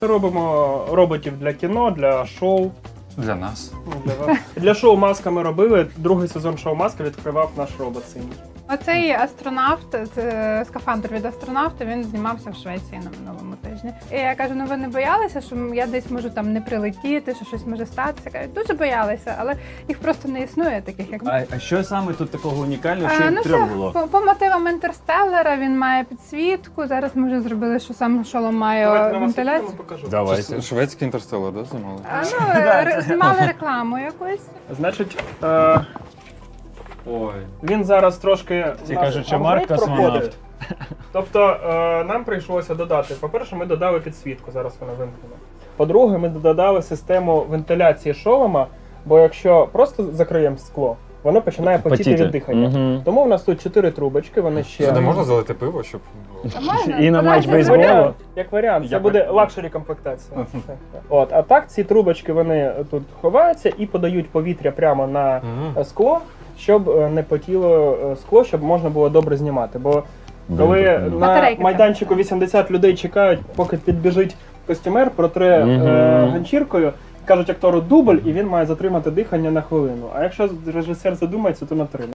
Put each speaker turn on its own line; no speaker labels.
Робимо роботів для кіно, для шоу.
Для нас.
Для шоу «Маска» ми робили. Другий сезон шоу «Маска» відкривав наш робот синій.
Оцей астронавт, це скафандр від астронавта, він знімався в Швеції на минулому тижні. І я кажу, ну ви не боялися, що я десь можу там не прилетіти, що щось може статися? Кажуть, дуже боялися, але їх просто не існує таких, як ми.
А що саме тут такого унікального, що їм треба було?
По мотивам Інтерстеллара він має підсвітку. Зараз ми вже зробили, що сам шолом має вентиляцію.
Покажу.
Давайте.
Шведський інтерстелар, да, знімали?
Знімали рекламу якусь.
Значить,
Ой.
він зараз трошки
Всі
у нас
кажуть, що
апгрейд
Марк космонавт.
проходить. Тобто нам прийшлося додати, по-перше, ми додали підсвітку, зараз вона вимкнена. По-друге, ми додали систему вентиляції шолома, бо якщо просто закриємо скло, воно починає потіти від дихання.
Мгм.
Тому в нас тут 4 трубочки, вони ще...
Сюди можна залити пиво, щоб...
А можна?
І на матч
Подайте
бейсболу.
заяву.
Як варіант, це
Я
буде
так-
лакшері комплектація. От, а так ці трубочки вони тут ховаються і подають повітря прямо на
Мгм.
скло, щоб не потіло скло, щоб можна було добре знімати. Бо коли на
Батарейки
майданчику
треба.
80 людей чекають, поки підбіжить костюмер, протре
Мгм.
ганчіркою, кажуть актору дубль, і він має затримати дихання на хвилину. А якщо режисер задумається, то на 3.